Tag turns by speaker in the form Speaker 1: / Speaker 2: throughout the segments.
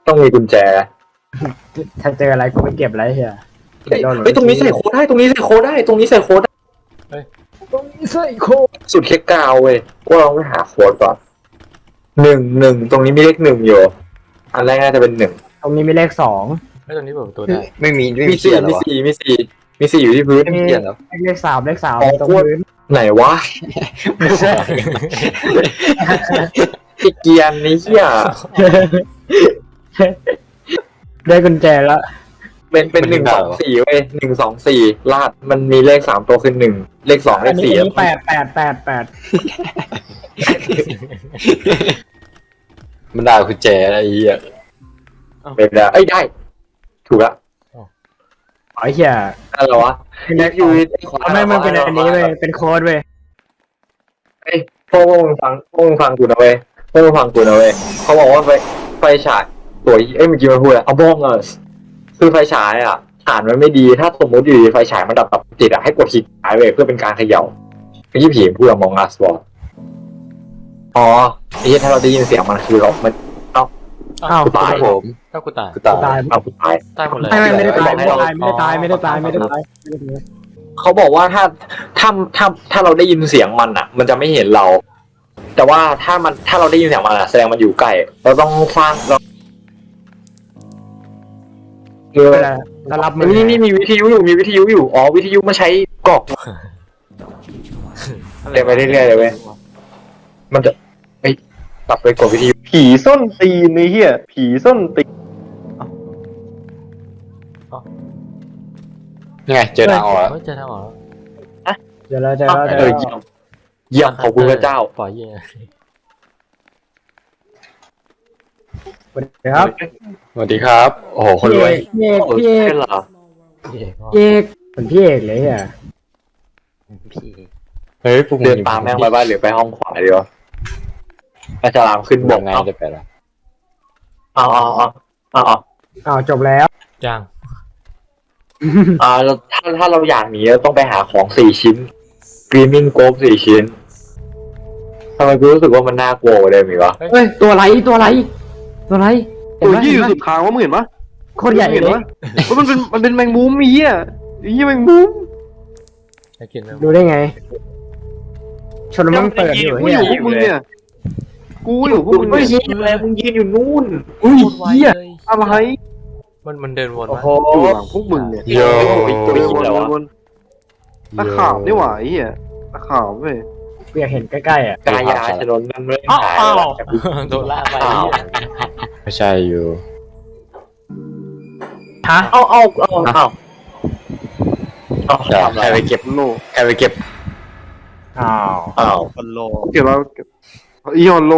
Speaker 1: ต้องมีกุญแจ
Speaker 2: ถ้าเจออะไรกูไม่เก็บอะไรเฮีย
Speaker 1: เฮ้ยตรงนี้ใส่โค้ดได้ตรงนี้ใส่โค้ดได้ตรงนี้ใส่โค้ดได้
Speaker 2: ตรงนี้ใส่โค
Speaker 1: สุดแค่กาวเว้ยว่าเราไปหาโค้ดก่อน1 ตรงนี้มีเลข1อยู่อันแรกน่าจะเป็น1
Speaker 2: ตรงนี้มีเลข2
Speaker 3: ไม่ตรงนี้เปิดประตูได้
Speaker 4: ไม่มี
Speaker 1: มี
Speaker 4: เขียนเหร
Speaker 1: มี
Speaker 4: อวะ
Speaker 1: สี่มีสี่มีสี่อยู่ที่พื้น
Speaker 4: ไม่มีเขียนเหรอ
Speaker 2: เลข3ตรงพื้น
Speaker 1: ไหนวะ
Speaker 4: ไม่ใช่
Speaker 1: ไอ้เกียร์นี่เหี้ย
Speaker 2: ได้กุญแจแล้ว
Speaker 1: เป็น1 2 4เว้ย1 2 4ลาดมันมีเลข3ตัวคือ1เลข2เล
Speaker 2: อัน
Speaker 1: ข
Speaker 2: นี้
Speaker 1: 4
Speaker 2: 8
Speaker 4: มันด่าคุณแจอะไรเหี้ย
Speaker 1: เป็นได้เอ้ยได้ถูกละ
Speaker 2: ไอ้เหี้ย
Speaker 1: อะไรวะ
Speaker 2: เป็นเลข
Speaker 1: ยู
Speaker 2: ไม่มันเป็นอันนี้เว้ยเป็นโค้ดเว้ย
Speaker 1: เอ้ยพวกมึงฟังกูนะเว้ยพวกมึงฟังกูนะเว้ยเขาบอกว่าไฟฉายตัวเอ้ยเมื่อกี้มันพูดอะไรเอาบ้องเออคือไฟฉายอ่ะฐานมันไม่ดีถ้าสมมติอยู่ดีไฟฉายมันดับติดอ่ะให้กดคลิกซ้ายเว้ยเพื่อเป็นการเขย่าเมื่อกี้ผีพูดกับมองอัสบอลอ๋อไอ้ที่ถ้าเราได้ยินเสียงมันคือเรามัน
Speaker 2: อ้าว
Speaker 1: ตาย
Speaker 4: ผม
Speaker 3: ถ้ากูตาย
Speaker 4: กูตาย
Speaker 2: ตาย
Speaker 1: เอากูตาย
Speaker 3: ตายหมดเลย
Speaker 2: ไม่ได้ตายไม่ได้ตาย
Speaker 1: เขาบอกว่าถ้าเราได้ยินเสียงมันอ่ะ มันจะไม่เห็นเรา แต่ว่าถ้าเราได้ยินเสียงมันอ่ะแสดงมันอยู่ใกล้เราต้องสร้างเรา
Speaker 2: เรารับมือ
Speaker 1: นี่มีวิทยุอยู่อ๋อวิทยุมาใช้กรอกเดี๋ยวไปเรื่อยๆเลยเว้ยมันจะกลับไปกดวิทยุ
Speaker 5: ผีส้นตีนไอ้เหี้ยผีส้นตีน
Speaker 4: นี่ไงเจอทางออกแล้ว
Speaker 3: เฮ้ยเจอทางออกแล้ว
Speaker 2: เดี๋ยวเราจะ
Speaker 1: เยี่ยมขอบคุณพระเจ้า
Speaker 3: ปล่อยเย่
Speaker 2: ครับ
Speaker 4: สวัสดีครับ โอ้โหคนรวย
Speaker 2: พี่เอก
Speaker 1: เหรอ
Speaker 3: เย่
Speaker 2: พี่เอกเป็นพี่เอกเลยอ่ะ
Speaker 3: พี่
Speaker 4: เฮ้ยพวกมึง
Speaker 1: เดินตามแม่งไปบ้านหรือไปห้องขวาดีวะอาจารย์ขึ้น
Speaker 4: บบ อ
Speaker 1: อก ก
Speaker 4: ไง
Speaker 1: เอา
Speaker 4: จะไปละ
Speaker 2: อ้าวจบแล้ว
Speaker 3: จัง
Speaker 1: เราถ้าเราอยากหนีเราต้องไปหาของ4 ชิ้น Screaming Ghost 4 ชิ้นทำไมกูรู้สึกว่ามันน่ากลัวกว่าเดิมอีกวะ
Speaker 2: เฮ้ยตัวไรตัวไรตัวไร
Speaker 5: ตัวยี่อยู่สุดทางว่ามึงเห็นปะ
Speaker 2: โคตรใหญ่
Speaker 5: เห็น
Speaker 2: เลย
Speaker 5: ปะว่ามันเป็นแมงมุมไอ้เหี้ยไอ้เหี้ยแมงมุม
Speaker 3: ไอ้กินแล้ว
Speaker 2: ดูได้ไง ชนมันเปิดอยู่
Speaker 5: กู
Speaker 2: เฮี
Speaker 5: อย ยู่พวกมึงเนี่ยกูอยู่พวกมึง
Speaker 1: ไม่
Speaker 5: เนี่ย
Speaker 1: ใช่อะไรมึงยืนอยู่นู่น
Speaker 2: อุ้ย
Speaker 3: โคตรไว
Speaker 2: เฮีย
Speaker 3: เลย
Speaker 5: อะไร
Speaker 3: มันเดินวน
Speaker 2: โอ้
Speaker 3: มา
Speaker 2: โห
Speaker 5: อยู่หลังพวกมึงเนี่ย
Speaker 4: โย
Speaker 5: วนตะขาบนี่หว่าไอ้เหี้ยตะขาบเว้ย
Speaker 2: กูอยากเห็นใกล้ๆอ่ะ
Speaker 1: กายาถนนนั้นไม่หาย
Speaker 3: โดนล่าไป
Speaker 4: ไม่ใช่อยู่
Speaker 2: ฮะ
Speaker 1: เอา
Speaker 4: เดี๋ยวใครไปเก็บ
Speaker 5: โล
Speaker 4: ใครไปเก็บ
Speaker 2: อ้าว
Speaker 5: เก็บแล้วเก็บอีฮอนโล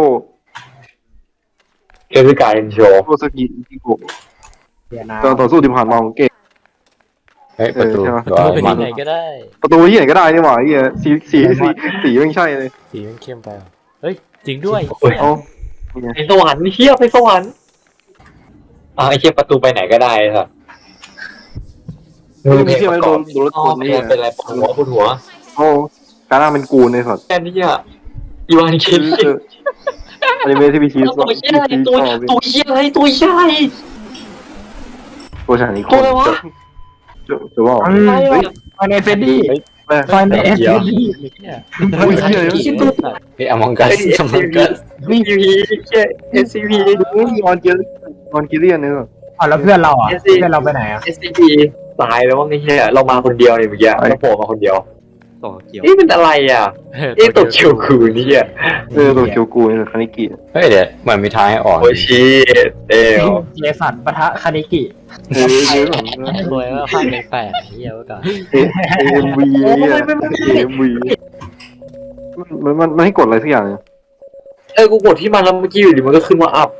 Speaker 1: เอริกาเอ็นโช
Speaker 5: โลสกิอิโกะ
Speaker 2: เดี๋ยวนะ
Speaker 5: ตอนต่อสู้ที่ผ่านมาของเกม
Speaker 4: เฮ้ยประตู
Speaker 5: ใช่ไหม
Speaker 4: หรือว่า
Speaker 3: เป็น
Speaker 4: มัน
Speaker 3: ที่ไหนก็ได้
Speaker 5: ประตูที่ไหนก็ได้นี่หว่าไอ้เหี้ยสีไม่ใช่เลย
Speaker 3: สีมันเข้มไปเฮ้ยจริงด้วย
Speaker 5: เอ้า
Speaker 1: ไปสวรรค์เฮียไปสวรรค์ไอ้เฮียประตูไปไหนก็ได้ครับ
Speaker 5: มึงมีเที่ยวไหมโดนรถชนนี่
Speaker 1: เป็นอะไรปวดหัว
Speaker 5: โอ้การนั่งเป็นกูในสัตว์
Speaker 1: แค่นี้อ่ะอีวานคิด
Speaker 5: อนิเมะที่มีชีวิต
Speaker 1: ตัวเฮียอะไรตัวเฮียอะไรตัวเฮียอะไร
Speaker 5: ตัวฉากนี้
Speaker 1: ตัวอะไรวะ
Speaker 5: จะว่า
Speaker 2: ไฟในเฟดดี้
Speaker 5: แม่
Speaker 2: ไฟในเอฟดี้
Speaker 5: อุ้ยเหี้ย
Speaker 4: เฮ้ยอมองกัสอมองกัส
Speaker 1: นี่ยูพีเอสซีพี
Speaker 5: ดูออนเกเลียนเนี่ย
Speaker 2: อ๋อแล้วเพื่อนเราอ่ะเพื่อนเราไปไหนอ่ะ
Speaker 1: เอสซีพีตายแล้วว่าไงเฮียเรามาคนเดียวเนี่ยเมื่อกี้เราโผล่มาคนเดียว
Speaker 3: ต่อเกี่ยว
Speaker 1: นี่เป็นอะไรอ่ะตัวเขียวคือนี่อ่ะ
Speaker 5: ตัวเคียวกูเนี่ยคานิกิ
Speaker 4: เฮ้ยเดี๋ยวเหมือนมีทางให้ออก
Speaker 1: โอชิเอล
Speaker 2: เจสันปะทะคานิกิ
Speaker 5: เออ
Speaker 3: รวยว่าภาคแปลกๆเหี้ยไว้ก่อน
Speaker 5: เอ็มวีเนี่ยเอ็มวีมันให้กดอะไรสักอย่างเนี่ย
Speaker 1: กูกดที่มันแล้วเมื่อกี้อยู่ดีมันก็ขึ้นว่าอัพ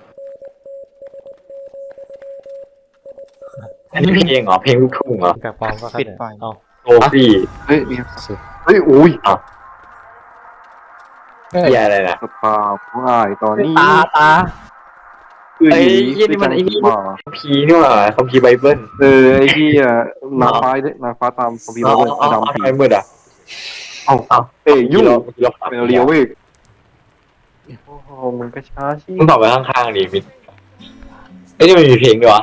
Speaker 1: อันนี้เพลงเหรอเพลงลูกทุ่งเหรอ
Speaker 3: กับปอมก็ปิดไฟเอา
Speaker 1: โอฟี่
Speaker 5: เฮ้ยอุ้ย
Speaker 1: เฮียอะไรนะ
Speaker 5: สปาผู้อายตอนนี้
Speaker 2: ตา
Speaker 5: คือผีด้วยกันผีมา
Speaker 1: พีนี่หว่าคัมภีร์ไบเบิล
Speaker 5: ไอ้ที่นางฟ้าตามคอมพิวเตอร์ดำผี
Speaker 1: ไอ้มืดอ่ะ
Speaker 5: เอาเอ้ยยุ่ง
Speaker 1: เรา
Speaker 5: เป็นเรียวเวกโอ้โหมันก็ช้าชิ
Speaker 1: มึงตอบไปข้างๆดิมิดไอ้นี่มันมีเพลงด้วยวะ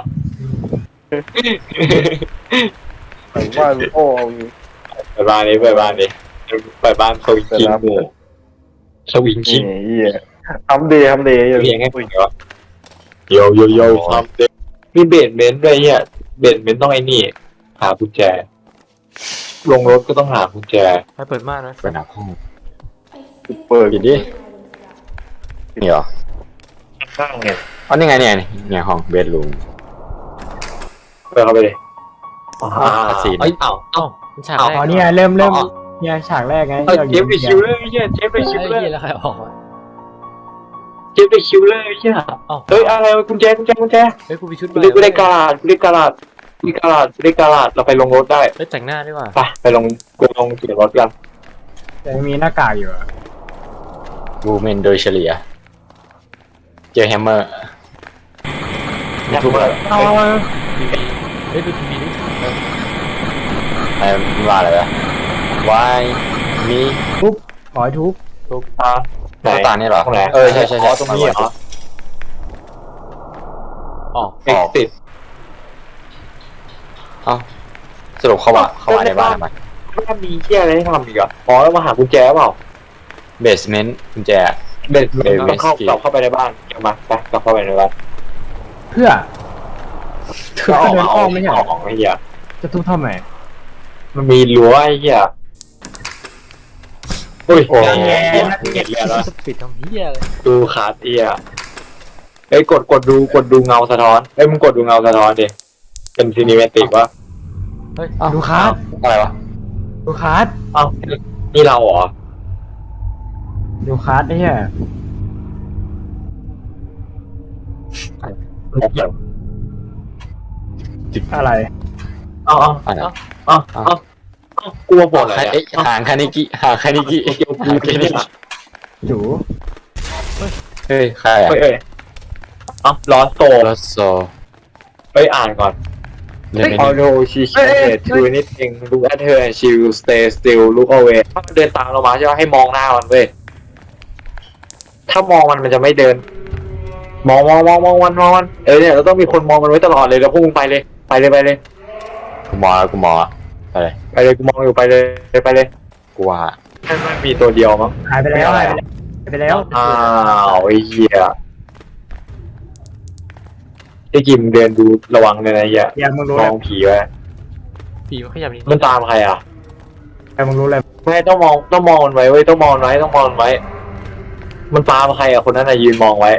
Speaker 5: ผมว่าโอ้ย
Speaker 1: เปิดบ้านนี้เปิดบ้านนี้เปิดบ้านสวิงคิงหมู่สวิงคิง
Speaker 5: เหี้ยทำเดย์
Speaker 1: เพลงให้คุยเหรอโยโยโย่ทำเด็กมีเบสเมนต์ด้วยเนี่ยเบสเมนต์ต้องไอ้นี่หากุญแจลงรถก็ต้องหากุญแจ
Speaker 3: ให้เปิดม่านไหม
Speaker 4: เป็นหนักห้อง
Speaker 5: เปิด
Speaker 4: ปิดดินี่เหรอ
Speaker 1: ข้างเนี่ย
Speaker 4: อ๋อนี่ไงเนี่ยห้องเบดรูม
Speaker 1: เปิดเข้าไปเลยเอ้ยเอ้า
Speaker 3: เอ้ามันฉาก
Speaker 1: เอา
Speaker 3: แรก
Speaker 2: อ๋อเนี่ยเริ่มเนี่ยฉากแรกไง
Speaker 1: เอ้ย
Speaker 2: ที่เรา
Speaker 1: เจฟไปคิวเลยเฮียเจฟไป
Speaker 3: ไอ้
Speaker 1: คิวเลย
Speaker 3: เหี้ยแล้วใครออกวะ
Speaker 1: เจฟไปคิวเลยเฮีย
Speaker 3: เอ้า
Speaker 1: เฮ้ยอะไรกุญแจ
Speaker 3: เฮ้ยกูมีชุด
Speaker 1: เรียกกาลาดเราไปลงรถได้
Speaker 3: เฮ้ยแต่งหน้าด้วยว่ะ
Speaker 1: ไปลงเกียร์รถกัน
Speaker 2: แต่มีหน้ากากอยู่อะ
Speaker 4: บูเมนโดยเฉลี่ยเจอแฮมเมอร์
Speaker 1: ทุกคน
Speaker 2: เอา
Speaker 3: เฮ้ยดูทีวีดิ
Speaker 4: ไอ้มันว่าอะไรวะวายมี
Speaker 2: ขอให้ทุบ
Speaker 1: ไหน
Speaker 4: ตานี่เหรอ
Speaker 1: ตรงไหน
Speaker 4: ใช่
Speaker 1: ตรงนี้เหรอ
Speaker 3: ออก
Speaker 1: เอ็กซ์ติด
Speaker 4: เอ้าสรุปเข้ามาในบ้านทำไม
Speaker 1: ถ้ามีเที่ยอะไรให้ทำอีกอ่ะอ๋อแล้วมาหากุญแจเปล่า
Speaker 4: เบสเมนต์กุญแจ
Speaker 1: เบสต้องเข้าไปในบ้านเดี๋ยวมาไปกลับเข้าไปในบ้าน
Speaker 2: เพื่อ
Speaker 1: ก็ออกมาเอาออกไอ้เหี้ย
Speaker 2: จะทุบทำไม
Speaker 1: มันมีรั้วไอ้เหี้ยอุ้ย
Speaker 4: โอ้
Speaker 1: เห็นแล้ว
Speaker 3: ปิดทำเหี้ยเลย
Speaker 1: ดูขาดเอี้ยเอ้ยกดดูเงาสะท้อนเอ้ยมึงกดดูเงาสะท้อนดิเป็นซีนิเมติกวะ
Speaker 3: เฮ้ย
Speaker 2: ดูคัส
Speaker 4: อะไรวะ
Speaker 2: ดูคัส
Speaker 1: เอ้านี่เราเหรอ
Speaker 2: ดูคัสไอ้เหี้ย อะไร
Speaker 1: เอ้า
Speaker 4: อะไร
Speaker 1: กลัวปวดอะไร
Speaker 4: ห่างคานิกิ
Speaker 1: เกี่ยวกูกินนี่
Speaker 2: จู
Speaker 4: เฮ้ยใครอ่ะ
Speaker 1: เอ้ยลอสโต
Speaker 4: ลอสโซ
Speaker 1: ไปอ่านก่อน
Speaker 4: เล่นไม่
Speaker 1: Although she can't do anything look at her and she will stay still look away ถ้ามันเดินตามเรามาใช่ไหมให้มองหน้ามันเว้ยถ้ามองมันจะไม่เดิน มองมันเนี่ยเราต้องมีคนมองมันไว้ตลอดเลยแล้วพวกมึงไปเลย
Speaker 4: กูมออะไร
Speaker 1: กูมองอยู่ไปเลย
Speaker 4: กูว่า
Speaker 1: มันมีตัวเดียวมั้ง
Speaker 2: หายไปแล้วหายไปแล้ว
Speaker 1: อ้าวไอ้เหี้ยไอ้กิมเดินดูระวังเลยนะเหี้ย
Speaker 2: อย่ามึงรู้
Speaker 1: ม
Speaker 2: เล
Speaker 1: อย งผีไว้
Speaker 3: ผีมันขยับนิด
Speaker 1: มันตามใครอ่ะ
Speaker 2: อย่ามึงรู้เลย
Speaker 1: ไม่ต้องมองมันไว้เว้ยต้องมองมันไว้ มันตามใครอ่ะคนนั้นน่ะยืนมองไว้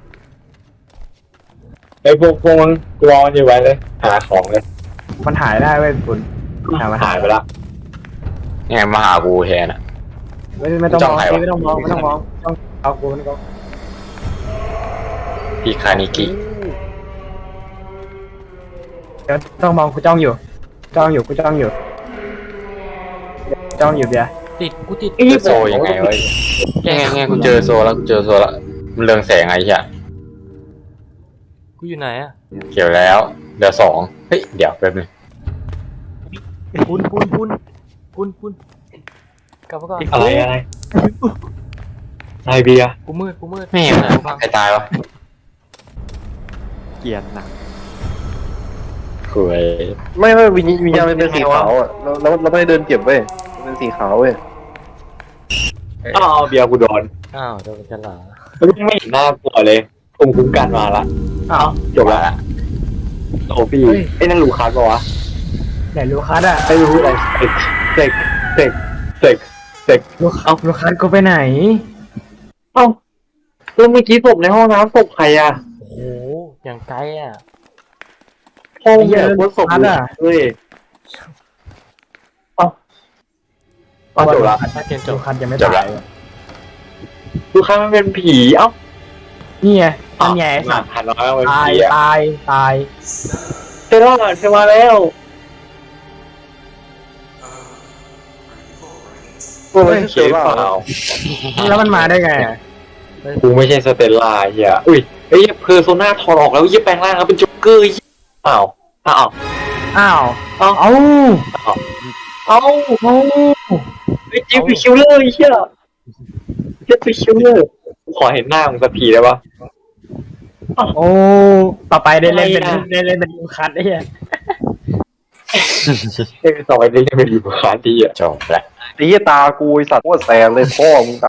Speaker 1: ไอ้พวกมึงกลัวมันอยู่ไว้เลยหาของเลย
Speaker 2: มันหายได้เว้ยคุณ
Speaker 1: มันหายไปละ
Speaker 4: เนี่ยมาหากูแทนอ่ะ
Speaker 2: ไม่ต้องมอง
Speaker 4: จ้องใครวะ
Speaker 2: ไม่ต้องมองต้องเอากูนี่ก็
Speaker 4: พี่คานิกิ
Speaker 2: เดี๋ยวต้องมองกูจ้องอยู่กูจ้องอยู่เบียร์
Speaker 3: ติดกูติด
Speaker 4: โซยังไงวะไงกูเจอโซแล้วมันเรืองแสงไงเหี้ย
Speaker 3: กูอยู่ไหนอะ
Speaker 4: เกี่ยวแล้วเดี๋ยว2เฮ้ยเดี๋ยวแป๊บนึง
Speaker 3: คุณกลับมาก่อน
Speaker 1: อะไรนายเบียร์
Speaker 3: กูมืด
Speaker 4: แม่งนะใครตายวะ
Speaker 3: เกลียดหนัก
Speaker 4: คุย
Speaker 5: ไม่วิญญาณมันเป็นสีขาวอ่ะเราไม่ได้เดินเก็บเว้ยมันเป็นสีขาวเว้ย
Speaker 1: อ้าวเบียร์กูโดน
Speaker 3: อ้าวโดนกันเหรอ
Speaker 1: ไม่เห็นหน้ากลัวเลยภูมิคุ้มกันมาละอ้าวจบละโอ้พี่ไอ้นั่นลูกค้าปะวะ
Speaker 2: ไหนลูคัสอะ
Speaker 1: ไม่รู้อะไรเสก
Speaker 2: ลูคัสกูไปไหน
Speaker 1: เอ้าแล้วเมื่อกี้ศพในห้องน้ำศพใครอ่ะ
Speaker 3: โอ้โหอย่างไกลอะ
Speaker 1: ห้องเนี่ยคนศพเฮ้ยเอ้าจบละ
Speaker 3: ถ้าเกมจ
Speaker 2: ลู
Speaker 3: บ
Speaker 2: คัสยังไม่
Speaker 4: จบ
Speaker 2: ตา
Speaker 4: แล้
Speaker 2: ยว
Speaker 1: ลูกค้ามันเป็นผีเอ้า
Speaker 2: นี่ไงนั่นไง
Speaker 1: หันน้อยเป็น
Speaker 2: ตาย
Speaker 1: ผีอ่ะ
Speaker 2: ตาย
Speaker 1: เธอมาแล้ว
Speaker 5: โอ้ย
Speaker 1: เขียนเปล่า
Speaker 2: แล้วมันมาได้ไงอะ
Speaker 1: กูไม่ใช่สเตลล่าเฮียอุ้ยไอ้เพอร์โซน่าถอดออกแล้วยี่แปลงร่างแล้วเป็นจ็อกเกอร์อ้าว
Speaker 2: อ้าวเอ้า
Speaker 1: ไอ้จิ๊บเป็นคิวเลอร์เฮียจิ๊บเป็นคิวเลอร์ขอเห็นหน้ามึงสักทีได้ปะ
Speaker 2: โอ้ต่อไปได้เล่นเป็นลูคัสไอ้เหี้ย
Speaker 1: ต่อไปนี้จะเป็นอยู่คาที่อ่ะ
Speaker 4: จบละ
Speaker 5: ไอ้เหี้ยตากูไอ้สัตว์โคตรแสบเลยพ่อมึง